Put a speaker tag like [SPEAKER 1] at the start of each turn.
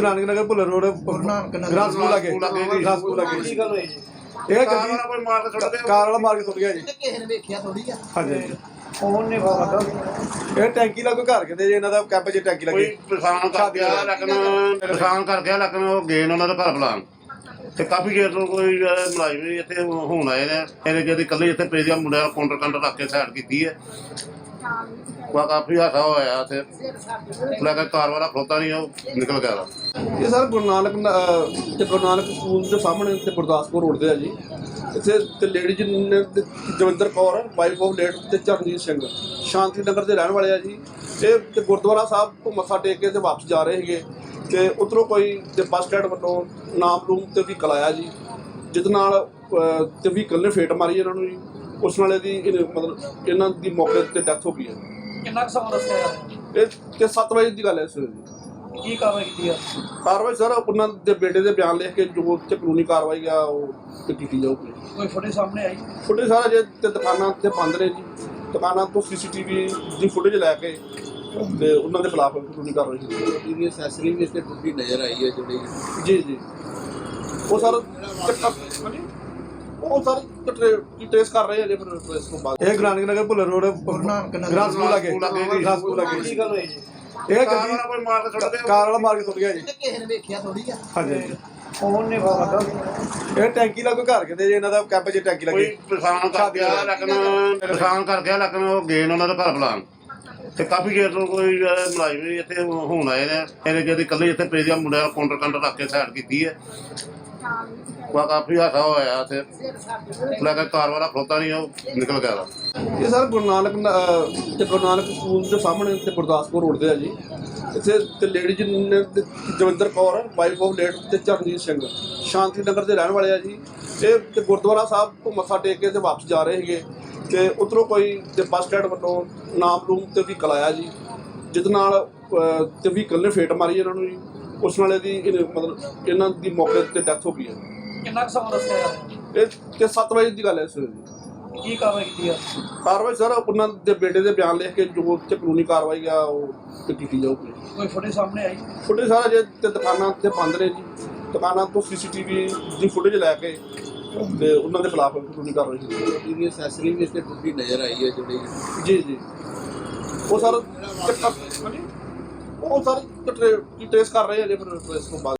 [SPEAKER 1] गुरु नानक नगर भुल्लर रोड ग्रासपुर लगे ये गड्डी कार वाला मार के सुट गया जी। हाँ जी ये टैंकी लागो घर कहते जी इन्हों कैंप च टैंकी लगी
[SPEAKER 2] परेशान कर गया लेकिन वो गए उन्होंने घर बुलान ਤੇ ਕਾਫੀ ਦੇਰ ਤੋਂ ਕੋਈ ਮੁਲਾਜ਼ਮ ਵੀ ਇੱਥੇ ਹੁਣ ਆਏ ਨੇ ਇਹਨੇ ਜਿਹੜੀ ਇਕੱਲੇ ਇੱਥੇ ਪੇ ਦੀਆਂ ਮੁੰਡਿਆਂ ਕਾਊਂਟਰ ਰੱਖ ਕੇ ਸਾਈਡ ਕੀਤੀ ਹੈ ਕਾਫੀ ਹਾਸਾ ਹੋਇਆ ਇੱਥੇ ਲਗਾ ਕਾਰ ਵਾਲਾ ਖਲੋਤਾ ਨਹੀਂ ਉਹ ਨਿਕਲ ਗਿਆ।
[SPEAKER 1] ਇਹ ਸਰ ਗੁਰੂ ਨਾਨਕ ਸਕੂਲ ਦੇ ਸਾਹਮਣੇ ਤੇ ਗੁਰਦਾਸਪੁਰ ਰੋਡ ਤੇ ਆ ਜੀ। ਇੱਥੇ ਤੇ ਲੇਡੀ ਜੀ ਨੇ Jawinder Kaur wife of late ਤੇ ਚਰਨਜੀਤ ਸਿੰਘ ਸ਼ਾਂਤੀ ਨਗਰ ਦੇ ਰਹਿਣ ਵਾਲੇ ਆ ਜੀ। ਇਹ ਤੇ ਗੁਰਦੁਆਰਾ ਸਾਹਿਬ ਤੋਂ ਮੱਥਾ ਟੇਕ ਕੇ ਤੇ ਵਾਪਸ ਜਾ ਰਹੇ ਸੀਗੇ ਤੇ ਉੱਧਰੋਂ ਕੋਈ ਤੇ ਬੱਸ ਸਟੈਂਡ ਵੱਲੋਂ ਨਾਮ ਰੂਮ ਤੇ ਵਹੀਕਲ ਆਇਆ ਜੀ, ਜਿਹਦੇ ਨਾਲ ਤੇ ਵਹੀਕਲ ਨੇ ਫੇਟ ਮਾਰੀ ਇਹਨਾਂ ਨੂੰ ਜੀ। ਉਸ ਨਾਲੇ ਦੀ ਮਤਲਬ ਇਹਨਾਂ ਦੀ ਮੌਕੇ ਤੇ ਡੈਥ ਹੋ ਗਈ ਹੈ।
[SPEAKER 3] ਕਿੰਨਾ ਸਮਾਂ ਦੱਸਿਆ
[SPEAKER 1] ਇਹ ਤੇ 7 ਵਜੇ ਦੀ ਗੱਲ ਹੈ ਸਰ ਜੀ।
[SPEAKER 3] ਕੀ ਕਾਰਵਾਈ ਕੀਤੀ ਆ?
[SPEAKER 1] ਕਾਰਵਾਈ ਸਰ ਉਹਨਾਂ ਦੇ ਬੇਟੇ ਦੇ ਬਿਆਨ ਲਿਖ ਕੇ ਜੋ ਤੇ ਕਾਨੂੰਨੀ ਕਾਰਵਾਈ ਆ ਉਹ ਤੇ ਕੀਤੀ ਜਾਊਗੀ।
[SPEAKER 3] ਕੋਈ ਫੁਟੇਜ ਸਾਹਮਣੇ ਆਈ?
[SPEAKER 1] ਫੁਟੇਜ ਸਾਰਾ ਜੇ ਤੇ ਦੁਕਾਨਾਂ ਤੇ ਬੰਦ ਨੇ ਜੀ, ਦੁਕਾਨਾਂ ਤੋਂ CCTV ਦੀ ਫੁਟੇਜ ਲੈ ਕੇ ਤੇ ਉਹਨਾਂ ਦੇ ਖਿਲਾਫ ਕਾਨੂੰਨੀ ਕਾਰਵਾਈ ਕੀਤੀ ਜਾਊਗੀ।
[SPEAKER 4] ਇਹਦੀ ਐਕਸੈਸਰੀ ਵੀ ਇੱਥੇ ਟੁੱਟੀ ਨਜ਼ਰ ਆਈ ਹੈ ਜਿਹੜੀ
[SPEAKER 1] ਜੀ ਉਹ ਸਰ ਟ੍ਰੇਸ ਕਰ ਰਹੇ ਆ ਜੀ। ਫਿਰ ਇਸ ਤੋਂ ਬਾਅਦ ਇਹ ਗੁਰੂ ਨਾਨਕ ਨਗਰ ਭੁੱਲਰ ਰੋਡ ਗ੍ਰਾਸਪੁਰ ਲਗੇ ਇਹ ਗੱਡੀ ਕਾਰ ਵਾਲਾ ਮਾਰ ਕੇ ਸੁੱਟ ਗਿਆ ਜੀ। हाँ जी ਇਹ ਟੈਂਕੀ ਲੱਗੋ ਘਰ ਕਹਿੰਦੇ ਜੀ ਇਹਨਾਂ ਕੈਂਪ ਚ ਟੈਂਕੀ ਲੱਗੀ
[SPEAKER 2] ਪਰੇਸ਼ਾਨ ਕਰ ਗਿਆ ਲੇਕਿਨ ਉਹ ਗਏ ਉਹਨਾਂ ਦੇ ਘਰ ਬੁਲਾਨ ਤੇ ਕਾਫੀ ਦੇਰ ਤੋਂ ਕੋਈ ਮੁਲਾਜ਼ਮ ਵੀ ਇੱਥੇ ਹੁਣ ਆਏ ਨੇ ਇਹਨੇ ਜਿਹੜੀ ਇਕੱਲੇ ਇੱਥੇ ਪੇ ਦੀਆਂ ਮੁੰਡਿਆਂ ਕਾਊਂਟਰ ਰੱਖ ਕੇ ਸਾਈਡ ਕੀਤੀ ਹੈ ਕਾਫੀ ਹਾਸਾ ਹੋਇਆ ਇੱਥੇ ਲਗਾ ਕਾਰ ਵਾਲਾ ਖਲੋਤਾ ਨਹੀਂ ਉਹ ਨਿਕਲ ਗਿਆ।
[SPEAKER 1] ਇਹ ਸਰ ਗੁਰੂ ਨਾਨਕ ਸਕੂਲ ਦੇ ਸਾਹਮਣੇ ਤੇ ਗੁਰਦਾਸਪੁਰ ਰੋਡ ਤੇ ਆ ਜੀ। ਇੱਥੇ ਤੇ ਲੇਡੀ ਜੀ ਨੇ Jawinder Kaur wife of late ਤੇ ਚਰਨਜੀਤ ਸਿੰਘ ਸ਼ਾਂਤੀ ਨਗਰ ਦੇ ਰਹਿਣ ਵਾਲੇ ਆ ਜੀ। ਇਹ ਤੇ ਗੁਰਦੁਆਰਾ ਸਾਹਿਬ ਤੋਂ ਮੱਥਾ ਟੇਕ ਕੇ ਤੇ ਵਾਪਸ ਜਾ ਰਹੇ ਸੀਗੇ ਤੇ ਉੱਧਰੋਂ ਕੋਈ ਤੇ ਬੱਸ ਸਟੈਂਡ ਵੱਲੋਂ ਨਾਮ ਰੂਮ ਤੇ ਵਹੀਕਲ ਆਇਆ ਜੀ, ਜਿਹਦੇ ਨਾਲ ਤੇ ਵਹੀਕਲ ਨੇ ਫੇਟ ਮਾਰੀ ਇਹਨਾਂ ਨੂੰ ਜੀ। ਉਸ ਨਾਲੇ ਦੀ ਮਤਲਬ ਇਹਨਾਂ ਦੀ ਮੌਕੇ ਤੇ ਡੈਥ ਹੋ ਗਈ ਹੈ।
[SPEAKER 3] ਕਿੰਨਾ ਸਮਾਂ ਦੱਸਿਆ?
[SPEAKER 1] ਇਹ ਤੇ 7 ਵਜੇ ਦੀ ਗੱਲ ਹੈ ਸਰ ਜੀ।
[SPEAKER 3] ਕੀ ਕਾਰਵਾਈ ਕੀਤੀ ਆ?
[SPEAKER 1] ਕਾਰਵਾਈ ਸਰ ਉਹਨਾਂ ਦੇ ਬੇਟੇ ਦੇ ਬਿਆਨ ਲਿਖ ਕੇ ਜੋ ਤੇ ਕਾਨੂੰਨੀ ਕਾਰਵਾਈ ਆ ਉਹ ਤੇ ਕੀਤੀ ਜਾਊਗੀ।
[SPEAKER 3] ਕੋਈ ਫੁਟੇਜ ਸਾਹਮਣੇ ਆਈ?
[SPEAKER 1] ਫੁਟੇਜ ਸਾਰਾ ਜੇ ਤੇ ਦੁਕਾਨਾਂ ਤੇ ਬੰਦ ਨੇ ਜੀ, ਦੁਕਾਨਾਂ ਤੋਂ CCTV ਦੀ ਫੁਟੇਜ ਲੈ ਕੇ ਤੇ ਉਹਨਾਂ ਦੇ ਖਿਲਾਫ ਕਾਨੂੰਨੀ ਕਾਰਵਾਈ ਕੀਤੀ ਜਾਊਗੀ।
[SPEAKER 4] ਇਹਦੀ ਐਕਸੈਸਰੀ ਵੀ ਇੱਥੇ ਟੁੱਟੀ ਨਜ਼ਰ ਆਈ ਹੈ ਜਿਹੜੀ
[SPEAKER 1] ਜੀ ਉਹ ਸਰ ਟ੍ਰੇਸ ਕਰ ਰਹੇ ਆ ਜੀ। ਫਿਰ ਇਸ ਤੋਂ ਬਾਅਦ